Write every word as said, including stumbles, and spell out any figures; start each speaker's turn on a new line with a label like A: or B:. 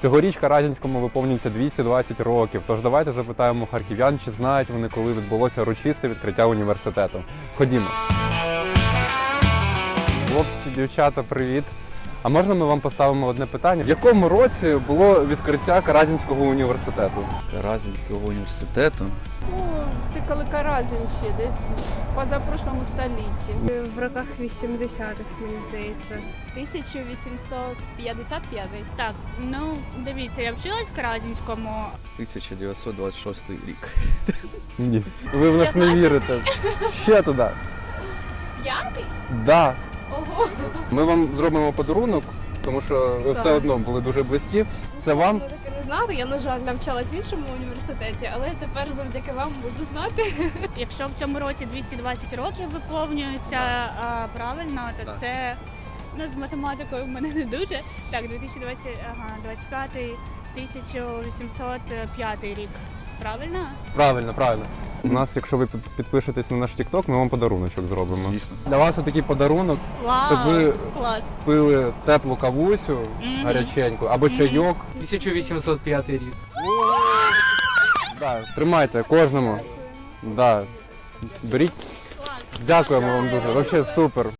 A: Цьогоріч Каразінському виповнюється двісті двадцять років, тож давайте запитаємо харків'ян, чи знають вони, коли відбулося урочисте відкриття університету. Ходімо. Хлопці, дівчата, привіт. А можна ми вам поставимо одне питання? В якому році було відкриття Каразінського університету?
B: Каразінського університету?
C: Ну, це коли Каразін ще, десь в позапрошлому столітті.
D: В роках вісімдесятих, мені здається.
E: тисяча вісімсот п'ятдесят п'ятий.
F: Так, ну дивіться, я вчилась в Каразінському.
B: тисяча дев'ятсот двадцять шостий рік.
A: Ні. Ви в нас не вірите. Ще туди.
E: П'ятий?
A: Да.
E: Ого.
A: Ми вам зробимо подарунок, тому що ви все одно були дуже близькі. Це вам.
E: Я таки не знати, я, на жаль, навчалась в іншому університеті, але тепер завдяки вам буду знати.
F: Якщо в цьому році двісті двадцять років виповнюється а, правильно, то
B: Так.
F: це ну, з математикою в мене не дуже. Так, дві тисячі двадцять, ага, двадцять п'ятий, тисяча вісімсот п'ятий рік. Правильно?
A: Правильно, правильно. У нас, якщо ви під- підпишетесь на наш TikTok, ми вам подаруночок зробимо.
B: Звісно.
A: Для вас отакий подарунок,
F: Вау,
A: щоб ви
F: клас.
A: пили теплу кавусю
F: Мгм.
A: гаряченьку або чайок.
G: тисяча вісімсот п'ятий рік.
A: Да, тримайте кожному. Да. Беріть. Дякуємо вам дуже. Взагалі супер.